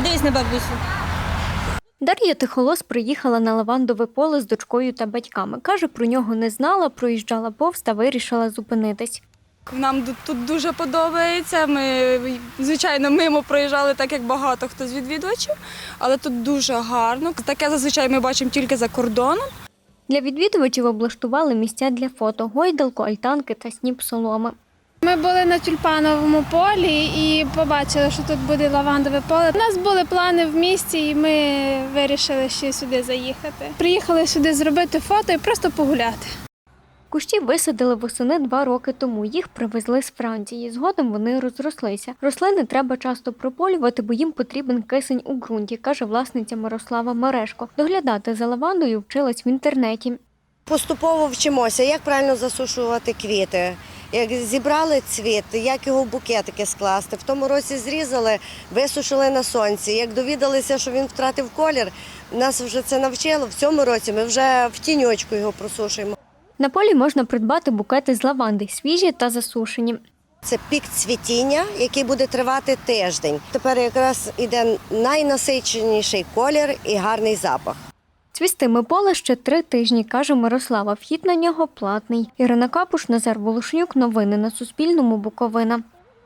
Подивись на бабусю. Дар'я Тихолос приїхала на лавандове поле з дочкою та батьками. Каже, про нього не знала, проїжджала повз та вирішила зупинитись. Нам тут дуже подобається. Ми, звичайно, мимо проїжджали, так як багато хто з відвідувачів, але тут дуже гарно. Таке зазвичай ми бачимо тільки за кордоном. Для відвідувачів облаштували місця для фото, гойдалку, альтанки та сніп соломи. Ми були на тюльпановому полі і побачили, що тут буде лавандове поле. У нас були плани в місті, і ми вирішили ще сюди заїхати. Приїхали сюди зробити фото і просто погуляти. Кущі висадили восени 2 роки тому. Їх привезли з Франції. Згодом вони розрослися. Рослини треба часто прополювати, бо їм потрібен кисень у ґрунті, каже власниця Мирослава Мережко. Доглядати за лавандою вчилась в інтернеті. Поступово вчимося, як правильно засушувати квіти, як зібрали цвіт, як його в букетики скласти. В тому році зрізали, висушили на сонці. Як довідалися, що він втратив колір, нас вже це навчило. В цьому році ми вже в тіньочку його просушуємо. На полі можна придбати букети з лаванди, свіжі та засушені. Це пік цвітіння, який буде тривати тиждень. Тепер якраз іде найнасиченіший колір і гарний запах. Цвістиме поле ще 3 тижні, каже Мирослава. Вхід на нього платний. Ірина Капуш, Назар Волошнюк. Новини на Суспільному. Буковина.